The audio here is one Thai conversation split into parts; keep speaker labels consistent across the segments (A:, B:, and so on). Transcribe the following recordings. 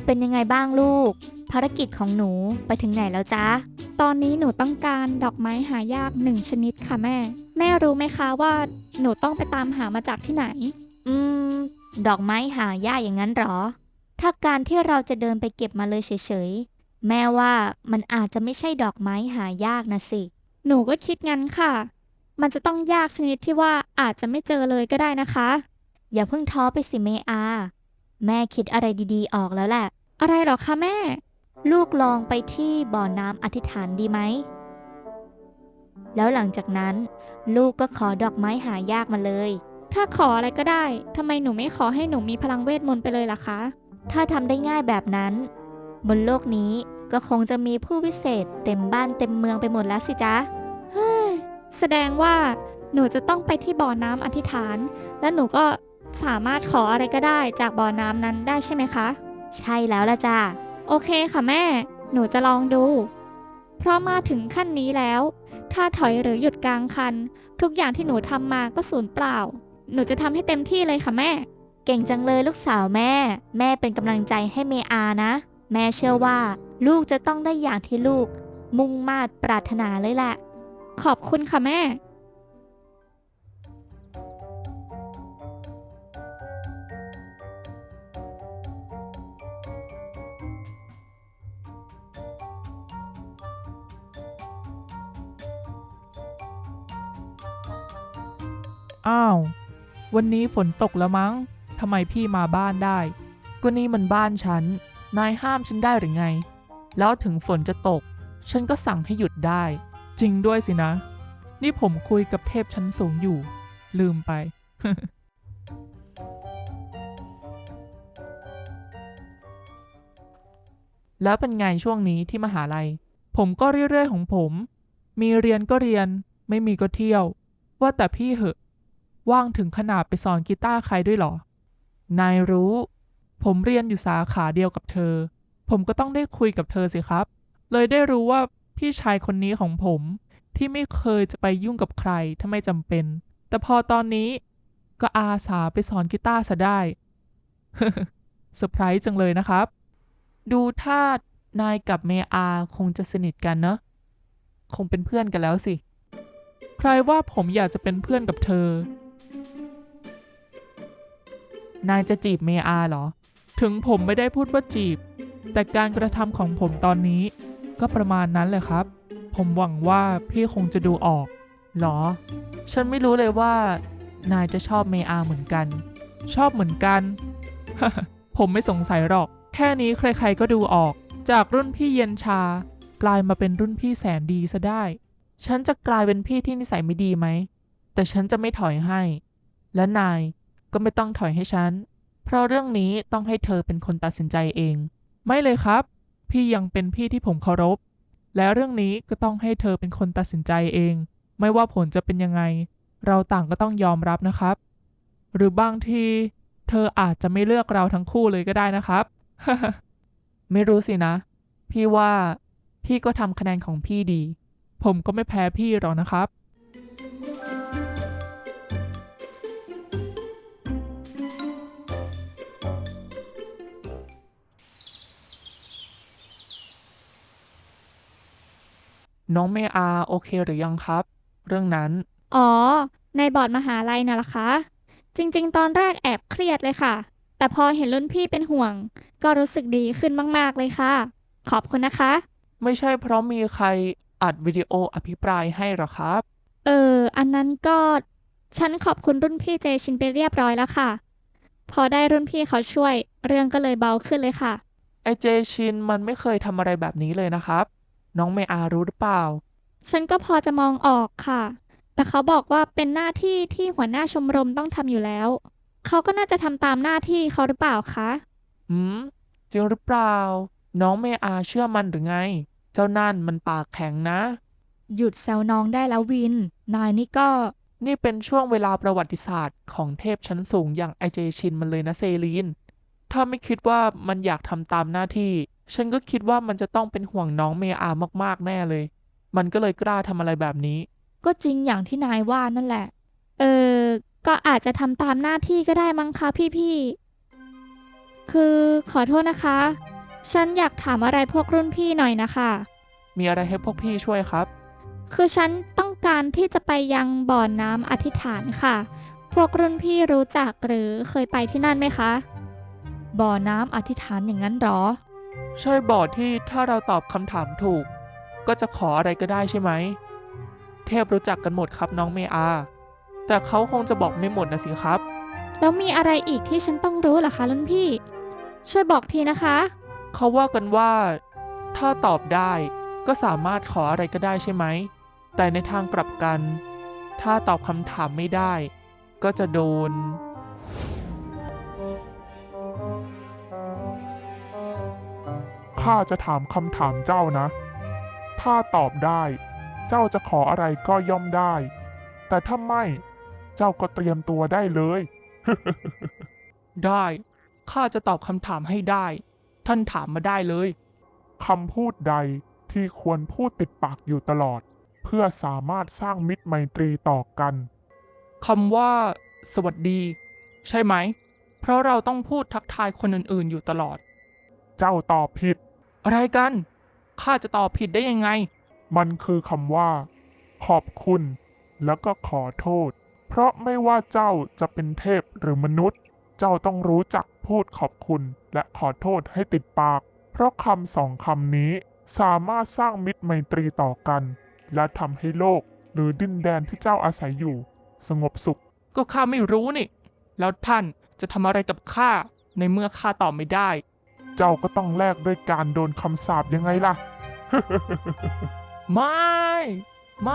A: เป็นยังไงบ้างลูกภารกิจของหนูไปถึงไหนแล้วจ๊ะ
B: ตอนนี้หนูต้องการดอกไม้หายาก1ชนิดค่ะแม่รู้ไหมคะว่าหนูต้องไปตามหามาจากที่ไหน
A: อืมดอกไม้หายากอย่างนั้นหรอถ้าการที่เราจะเดินไปเก็บมาเลยเฉยๆแม่ว่ามันอาจจะไม่ใช่ดอกไม้หายากนะสิ
B: หนูก็คิดงั้นค่ะมันจะต้องยากชนิดที่ว่าอาจจะไม่เจอเลยก็ได้นะคะ
A: อย่าเพิ่งท้อไปสิเมอาแม่คิดอะไรดีๆออกแล้วแหละ
B: อะไรหรอคะแม่
A: ลูกลองไปที่บ่อน้ำอธิษฐานดีไหมแล้วหลังจากนั้นลูกก็ขอดอกไม้หายากมาเลย
B: ถ้าขออะไรก็ได้ทำไมหนูไม่ขอให้หนูมีพลังเวทมนต์ไปเลยล่ะคะ
A: ถ้าทำได้ง่ายแบบนั้นบนโลกนี้ก็คงจะมีผู้วิเศษเต็มบ้านเต็มเมืองไปหมดแล้วสิจ๊ะ
B: เฮ้ยแสดงว่าหนูจะต้องไปที่บ่อน้ำอธิษฐานและหนูก็สามารถขออะไรก็ได้จากบ่อน้ำนั้นได้ใช่ไหมคะ
A: ใช่แล้วละจ้ะ
B: โอเคค่ะแม่หนูจะลองดูเพราะมาถึงขั้นนี้แล้วถ้าถอยหรือหยุดกลางคันทุกอย่างที่หนูทำมาก็สูญเปล่าหนูจะทำให้เต็มที่เลยค่ะแม่
A: เก่งจังเลยลูกสาวแม่เป็นกำลังใจให้เมอานะแม่เชื่อว่าลูกจะต้องได้อย่างที่ลูกมุ่งมา่ปรารถนาเลยแหละ
B: ขอบคุณค่ะแม่
C: อ้าววันนี้ฝนตกแล้วมั้งทำไมพี่มาบ้านได้ก็นี่มันบ้านฉันนายห้ามฉันได้หรือไงแล้วถึงฝนจะตกฉันก็สั่งให้หยุดได้จริงด้วยสินะนี่ผมคุยกับเทพชั้นสูงอยู่ลืมไป แล้วเป็นไงช่วงนี้ที่มหาลัยผมก็เรื่อยๆของผมมีเรียนก็เรียนไม่มีก็เที่ยวว่าแต่พี่เหอะว่างถึงขนาดไปสอนกีตาร์ใครด้วยเหรอนายรู้ผมเรียนอยู่สาขาเดียวกับเธอผมก็ต้องได้คุยกับเธอสิครับเลยได้รู้ว่าพี่ชายคนนี้ของผมที่ไม่เคยจะไปยุ่งกับใครถ้าไม่จำเป็นแต่พอตอนนี้ก็อาสาไปสอนกีตาร์ซะได้ เซอร์ไพรส์จังเลยนะครับดูท่านายกับเมอาคงจะสนิทกันเนอะคงเป็นเพื่อนกันแล้วสิใครว่าผมอยากจะเป็นเพื่อนกับเธอนายจะจีบเมอาเหรอถึงผมไม่ได้พูดว่าจีบแต่การกระทำของผมตอนนี้ก็ประมาณนั้นแหละครับผมหวังว่าพี่คงจะดูออกหรอฉันไม่รู้เลยว่านายจะชอบเมอาเหมือนกันชอบเหมือนกัน ผมไม่สงสัยหรอกแค่นี้ใครๆก็ดูออกจากรุ่นพี่เย็นชากลายมาเป็นรุ่นพี่แสนดีซะได้ฉันจะกลายเป็นพี่ที่นิสัยไม่ดีไหมแต่ฉันจะไม่ถอยให้และนายก็ไม่ต้องถอยให้ฉันเพราะเรื่องนี้ต้องให้เธอเป็นคนตัดสินใจเองไม่เลยครับพี่ยังเป็นพี่ที่ผมเคารพและเรื่องนี้ก็ต้องให้เธอเป็นคนตัดสินใจเองไม่ว่าผลจะเป็นยังไงเราต่างก็ต้องยอมรับนะครับหรือบางทีเธออาจจะไม่เลือกเราทั้งคู่เลยก็ได้นะครับ ไม่รู้สินะพี่ว่าพี่ก็ทำคะแนนของพี่ดีผมก็ไม่แพ้พี่หรอกนะครับน้องเมอาโอเคหรือยังครับเรื่องนั้น
B: อ๋อในบอร์ดมหาลัยน่ะล่ะคะจริงๆตอนแรกแอบเครียดเลยค่ะแต่พอเห็นรุ่นพี่เป็นห่วงก็รู้สึกดีขึ้นมากๆเลยค่ะขอบคุณนะคะ
C: ไม่ใช่เพราะมีใครอัดวิดีโออภิปรายให้หรอครับ
B: อันนั้นก็ฉันขอบคุณรุ่นพี่เจชินไปเรียบร้อยแล้วค่ะพอได้รุ่นพี่เขาช่วยเรื่องก็เลยเบาขึ้นเลยค่ะ
C: ไอเจชินมันไม่เคยทำอะไรแบบนี้เลยนะครับน้องเมอารู้หรือเปล่า
B: ฉันก็พอจะมองออกค่ะแต่เขาบอกว่าเป็นหน้าที่ที่หัวหน้าชมรมต้องทำอยู่แล้วเขาก็น่าจะทำตามหน้าที่เขาหรือเปล่าคะ
C: หืมจริงหรือเปล่าน้องเมอาเชื่อมันหรือไงเจ้านั่นมันปากแข็งนะ
A: หยุดแซวน้องได้แล้ววินนายนี่ก็
C: นี่เป็นช่วงเวลาประวัติศาสตร์ของเทพชั้นสูงอย่างไอเจชินมันเลยนะเซลีนถ้าไม่คิดว่ามันอยากทำตามหน้าที่ฉันก็คิดว่ามันจะต้องเป็นห่วงน้องเมอามากๆแน่เลยมันก็เลยกล้าทำอะไรแบบนี้
A: ก็จริงอย่างที่นายว่านั่นแหละ
B: เออก็อาจจะทำตามหน้าที่ก็ได้มั้งคะพี่ๆคือขอโทษนะคะฉันอยากถามอะไรพวกรุ่นพี่หน่อยนะคะ
C: มีอะไรให้พวกพี่ช่วยครับ
B: คือฉันต้องการที่จะไปยังบ่อน้ำอธิษฐานค่ะ พวกรุ่นพี่รู้จักหรือเคยไปที่นั่นไหมคะ
A: บ่อน้ำอธิษฐานอย่างนั้นหรอ
C: ใช่บ่อที่ถ้าเราตอบคำถามถูก ก็จะขออะไรก็ได้ใช่ไหม เทพรู้จักกันหมดครับน้องเมอา แต่เขาคงจะบอกไม่หมดนะสิครับ
B: แล้วมีอะไรอีกที่ฉันต้องรู้ล่ะคะรุ่นพี่ ช่วยบอกทีนะคะ
C: เขาว่ากันว่า ถ้าตอบได้ก็สามารถขออะไรก็ได้ใช่ไหม แต่ในทางกลับกัน ถ้าตอบคำถามไม่ได้ ก็จะโดน
D: ข้าจะถามคำถามเจ้านะ ถ้าตอบได้ เจ้าจะขออะไรก็ย่อมได้ แต่ถ้าไม่ เจ้าก็เตรียมตัวได้เลย
C: ได้ ข้าจะตอบคำถามให้ได้ ท่านถามมาได้เลย
D: คำพูดใดที่ควรพูดติดปากอยู่ตลอด เพื่อสามารถสร้างมิตรไมตรีต่อกัน
C: คำว่า สวัสดี ใช่ไหม เพราะเราต้องพูดทักทายคนอื่นๆอยู่ตลอด
D: เจ้าตอบผิด
C: อะไรกัน ข้าจะตอบผิดได้ยังไง
D: มันคือคำว่า ขอบคุณ แล้วก็ขอโทษ เพราะไม่ว่าเจ้าจะเป็นเทพหรือมนุษย์ เจ้าต้องรู้จักพูดขอบคุณและขอโทษให้ติดปาก เพราะคำสองคำนี้สามารถสร้างมิตรไมตรีต่อกัน และทำให้โลกหรือดินแดนที่เจ้าอาศัยอยู่ สงบสุข
C: ก็ข้าไม่รู้นี่ แล้วท่านจะทำอะไรกับข้าในเมื่อข้าตอบไม่ได้
D: เจ้าก็ต้องแลกด้วยการโดนคำสาปยังไงล่ะ
C: ไม่ ไม่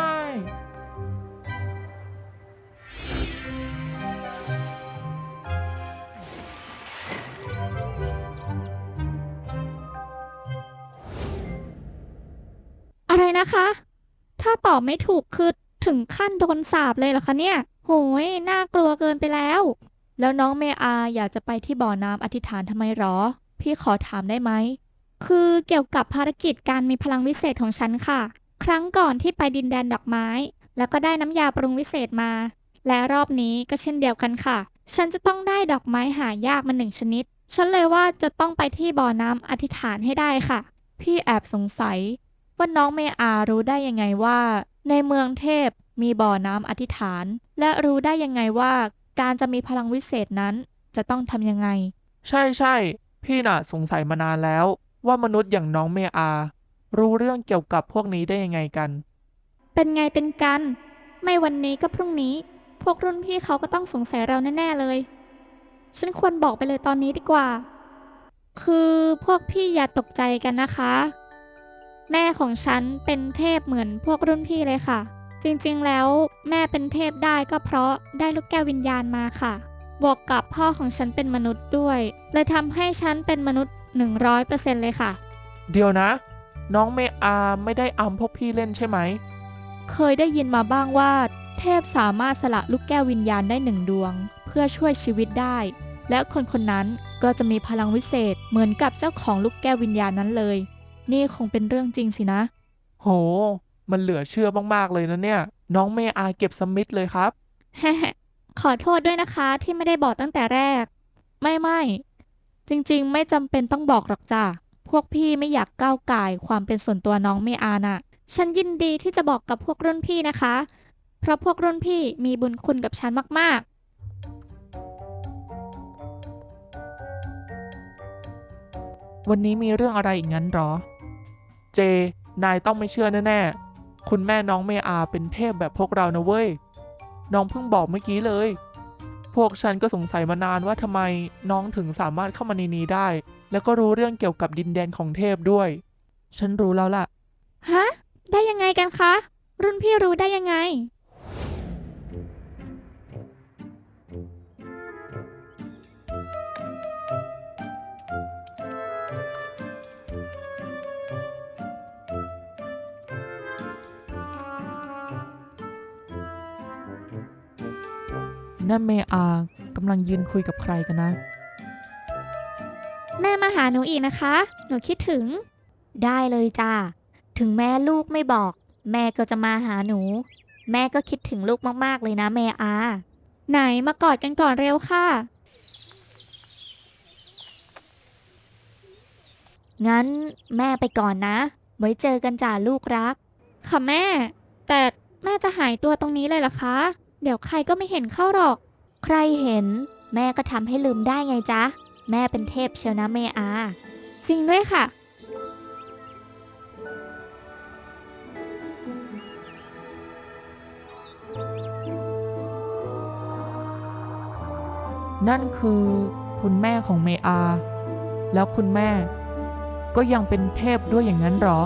B: อะไรนะคะ ถ้าตอบไม่ถูกคือถึงขั้นโดนสาปเลยเหรอคะเนี่ย โหย น่ากลัวเกินไปแล้ว
A: แล้วน้องเมอาอยากจะไปที่บ่อน้ำอธิษฐานทำไมหรอ พี่ขอถามได้ไหม
B: คือเกี่ยวกับภารกิจการมีพลังวิเศษของฉันค่ะ ครั้งก่อนที่ไปดินแดนดอกไม้ แล้วก็ได้น้ำยาปรุงวิเศษมา และรอบนี้ก็เช่นเดียวกันค่ะ ฉันจะต้องได้ดอกไม้หายากมา1 ชนิด ฉันเลยว่าจะต้องไปที่บ่อน้ำอธิษฐานให้ได้ค่ะ
A: พี่แอบสงสัยว่าน้องเมอารู้ได้ยังไงว่า ในเมืองเทพมีบ่อน้ำอธิษฐาน และรู้ได้ยังไงว่าการจะมีพลังวิเศษนั้นจะต้องทำยังไง
C: ใช่ใช่ พี่น่ะสงสัยมานานแล้ว ว่ามนุษย์อย่างน้องเมอา รู้เรื่องเกี่ยวกับพวกนี้ได้ยังไงกัน
B: เป็นไงเป็นกัน ไม่วันนี้ก็พรุ่งนี้ พวกรุ่นพี่เขาก็ต้องสงสัยเราแน่ๆเลย ฉันควรบอกไปเลยตอนนี้ดีกว่า คือพวกพี่อย่าตกใจกันนะคะ แม่ของฉันเป็นเทพเหมือนพวกรุ่นพี่เลยค่ะ จริงๆแล้วแม่เป็นเทพได้ก็เพราะได้ลูกแก้ววิญญาณมาค่ะ บวกกับพ่อของฉันเป็นมนุษย์ด้วยเลยทำให้ฉันเป็นมนุษย์ 100% เลยค่ะ
C: เดี๋ยวนะ น้องเมอาไม่ได้อำพวกพี่เล่นใช่ไหม
A: เคยได้ยินมาบ้างว่า เทพสามารถสละลูกแก้ววิญญาณได้1 ดวง เพื่อช่วยชีวิตได้ และคนคนนั้นก็จะมีพลังวิเศษเหมือนกับเจ้าของลูกแก้ววิญญาณนั้นเลย นี่คงเป็นเรื่องจริงสินะ
C: โห มันเหลือเชื่อมากๆเลยนะเนี่ย น้องเมอาเก็บสมิธเลยครับ
B: ขอโทษด้วยนะคะที่ไม่ได้บอกตั้งแต่แรก
A: ไม่จริงๆ ไม่จำเป็นต้องบอกหรอกจ้ะพวกพี่ไม่อยากก้าวก่ายความเป็นส่วนตัวน้องเมอาน่ะ
B: ฉันยินดีที่จะบอกกับพวกรุ่นพี่นะคะ เพราะพวกรุ่นพี่มีบุญคุณกับฉันมาก
C: วันนี้มีเรื่องอะไรอีกงั้นหรอ เจ นายต้องไม่เชื่อแน่ๆ คุณแม่น้องเมอาเป็นเทพแบบพวกเรานะเว้ย น้องเพิ่งบอกเมื่อกี้เลย พวกฉันก็สงสัยมานานว่าทำไมน้องถึงสามารถเข้ามาในนี้ได้ แล้วก็รู้เรื่องเกี่ยวกับดินแดนของเทพด้วย ฉันรู้แล้วล่ะ
B: ๆ ฮะ ได้ยังไงกันคะ รุ่นพี่รู้ได้ยังไง
C: นั่นเมอากำลังยืนคุยกับใครกันนะ
B: แม่มาหาหนูอีกนะคะ หนูคิดถึง
A: ได้เลยจ้าถึงแม่ลูกไม่บอก แม่ก็จะมาหาหนู แม่ก็คิดถึงลูกมากๆเลยนะเมอา
B: ไหนมากอดกันก่อนเร็วค่ะ
A: งั้นแม่ไปก่อนนะ ไว้เจอกันจ้าลูกรัก
B: ค่ะแม่ แต่แม่จะหายตัวตรงนี้เลยเหรอคะ เดี๋ยวใครก็ไม่เห็นเข้าหรอก
A: ใครเห็นแม่ก็ทำให้ลืมได้ไงจ๊ะ แม่เป็นเทพเชียวนะเมอา
B: จริงด้วยค่ะ
C: นั่นคือคุณแม่ของเมอา แล้วคุณแม่ก็ยังเป็นเทพด้วยอย่างนั้นหรอ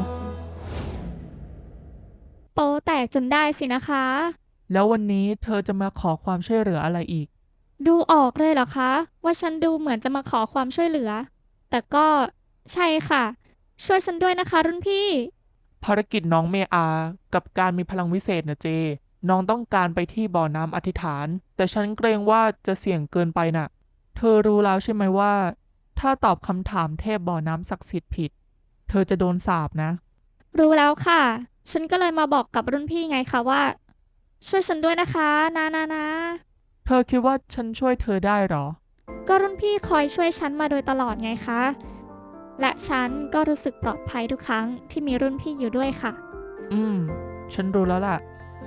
B: โป๊แตกจนได้สินะคะ
C: แล้ววันนี้เธอจะมาขอความช่วยเหลืออะไรอีก
B: ดูออกเลยเหรอคะ ว่าฉันดูเหมือนจะมาขอความช่วยเหลือ แต่ก็ใช่ค่ะ ช่วยฉันด้วยนะคะรุ่นพี่
C: ภารกิจน้องเมอากับการมีพลังวิเศษนะเจ น้องต้องการไปที่บ่อน้ำอธิษฐาน แต่ฉันเกรงว่าจะเสี่ยงเกินไปน่ะ เธอรู้แล้วใช่ไหมว่า ถ้าตอบคำถามเทพบ่อน้ำศักดิ์สิทธิ์ผิด เธอจะโดนสาปนะ
B: รู้แล้วค่ะ ฉันก็เลยมาบอกกับรุ่นพี่ไงคะว่า ช่วยฉันด้วยนะคะนะ
C: เธอคิดว่าฉันช่วยเธอได้หรอ
B: ก็รุ่นพี่คอยช่วยฉันมาโดยตลอดไงคะ และฉันก็รู้สึกปลอดภัยทุกครั้งที่มีรุ่นพี่อยู่ด้วยค่ะ
C: ฉันรู้แล้วล่ะ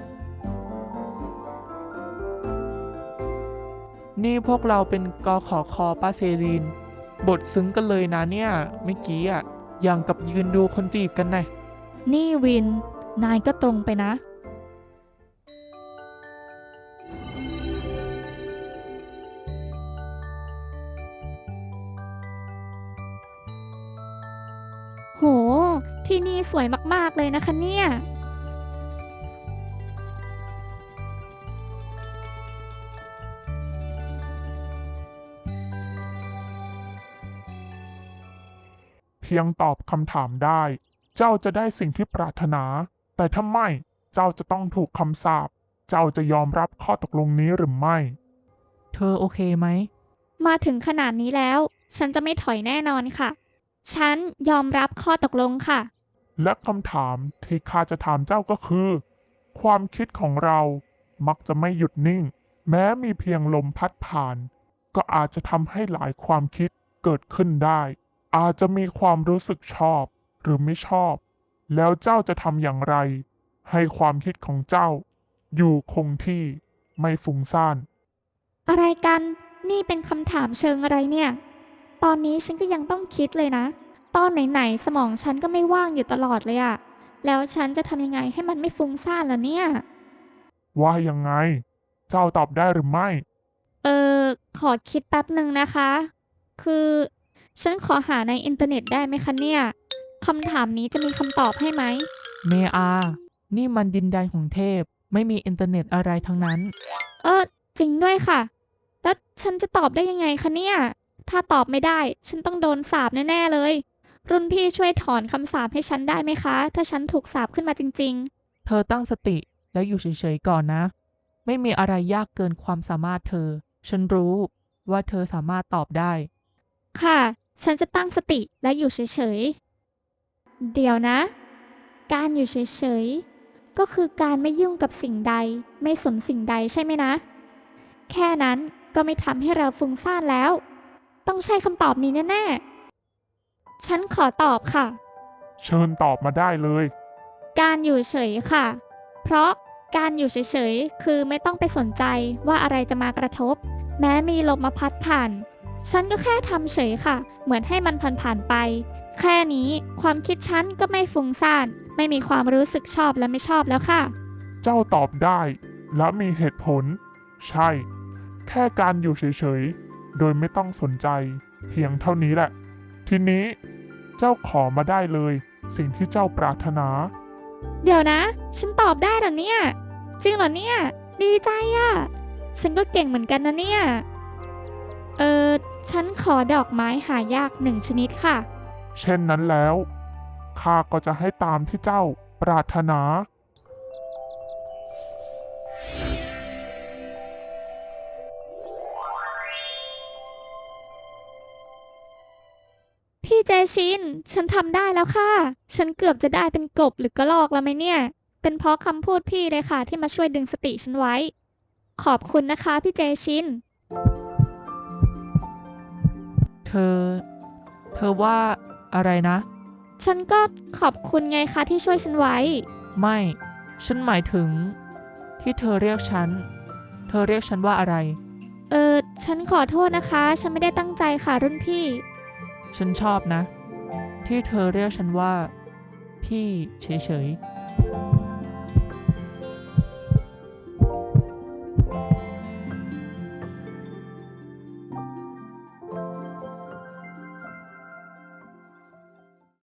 C: นี่พวกเราเป็นกขอคอป้าเซรีน บทซึ้งกันเลยนะเนี่ยเมื่อกี้อ่ะอย่างกับยืนดูคนจีบกันไง
A: นี่วิน นายก็ตรงไปนะ
B: โห ที่นี่สวยมากๆเลยนะคะเนี่ย
D: เพียงตอบคำถามได้ เจ้าจะได้สิ่งที่ปรารถนา แต่ถ้าไม่ เจ้าจะต้องถูกคำสาป เจ้าจะยอมรับข้อตกลงนี้หรือไม่
C: เธอโอเคไหม
B: มาถึงขนาดนี้แล้ว ฉันจะไม่ถอยแน่นอนค่ะ ฉันยอมรับข้อตกลงค่ะ
D: และคำถามที่ข้าจะถามเจ้าก็คือ ความคิดของเรามักจะไม่หยุดนิ่ง แม้มีเพียงลมพัดผ่าน ก็อาจจะทำให้หลายความคิดเกิดขึ้นได้ อาจจะมีความรู้สึกชอบหรือไม่ชอบ แล้วเจ้าจะทำอย่างไร ให้ความคิดของเจ้า อยู่คงที่ไม่ฟุ้งซ่าน
B: อะไรกัน นี่เป็นคำถามเชิงอะไรเนี่ย ตอนนี้ฉันก็ยังต้องคิดเลยนะ ตอนไหนๆสมองฉันก็ไม่ว่างอยู่ตลอดเลยอะแล้วฉันจะทำยังไงให้มันไม่ฟุ้งซ่านล่ะเนี่ย
D: ว่ายังไง เจ้าตอบได้หรือไม่
B: เออ ขอคิดแป๊บหนึ่งนะคะ คือฉันขอหาในอินเทอร์เน็ตได้ไหมคะเนี่ย คำถามนี้จะมีคำตอบให้ไหม
C: เมอา นี่มันดินแดนของเทพ ไม่มีอินเทอร์เน็ตอะไรทั้งนั้น
B: จริงด้วยค่ะ แล้วฉันจะตอบได้ยังไงคะเนี่ย ถ้าตอบไม่ได้ ฉันต้องโดนสาปแน่ๆเลย รุ่นพี่ช่วยถอนคำสาปให้ฉันได้ไหมคะ ถ้าฉันถูกสาปขึ้นมาจริง
C: เธอตั้งสติแล้วอยู่เฉยๆก่อนนะ ไม่มีอะไรยากเกินความสามารถเธอ ฉันรู้ว่าเธอสามารถตอบได้
B: ๆ ค่ะ ฉันจะตั้งสติและอยู่เฉยๆ เดี๋ยวนะ การอยู่เฉยๆ ก็คือการไม่ยุ่งกับสิ่งใด ไม่สนสิ่งใดใช่ไหมนะ แค่นั้นก็ไม่ทำให้เราฟุ้งซ่านแล้ว ต้องใช่คำตอบนี้แน่ๆ ฉันขอตอบค่ะ
D: เชิญตอบมาได้เลย
B: การอยู่เฉยค่ะ เพราะการอยู่เฉยๆ คือไม่ต้องไปสนใจว่าอะไรจะมากระทบ แม้มีลมมาพัดผ่าน ฉันก็แค่ทำเฉยค่ะ เหมือนให้มันผ่านๆไป แค่นี้ความคิดฉันก็ไม่ฟุ้งซ่าน ไม่มีความรู้สึกชอบและไม่ชอบแล้วค่ะ
D: เจ้าตอบได้ และมีเหตุผล ใช่ แค่การอยู่เฉยๆ โดยไม่ต้องสนใจ เพียงเท่านี้แหละ ทีนี้ เจ้าขอมาได้เลย สิ่งที่เจ้าปรารถนา
B: เดี๋ยวนะ ฉันตอบได้เหรอเนี่ย จริงเหรอเนี่ย ดีใจอะฉันก็เก่งเหมือนกันนะเนี่ย ฉันขอดอกไม้หายาก1 ชนิดค่ะ
D: เช่นนั้นแล้ว ข้าก็จะให้ตามที่เจ้าปรารถนา
B: พี่เจชิน ฉันทำได้แล้วค่ะ ฉันเกือบจะได้เป็นกบหรือกระรอกแล้วไหมเนี่ย เป็นเพราะคำพูดพี่เลยค่ะที่มาช่วยดึงสติฉันไว้ ขอบคุณนะคะพี่เจชิน
C: เธอว่าอะไรนะ
B: ฉันก็ขอบคุณไงคะที่ช่วยฉันไว้
C: ไม่ ฉันหมายถึง ที่เธอเรียกฉัน เธอเรียกฉันว่าอะไร
B: ฉันขอโทษนะคะ ฉันไม่ได้ตั้งใจค่ะรุ่นพี่
C: ฉันชอบนะ ที่เธอเรียกฉันว่า พี่เฉยๆ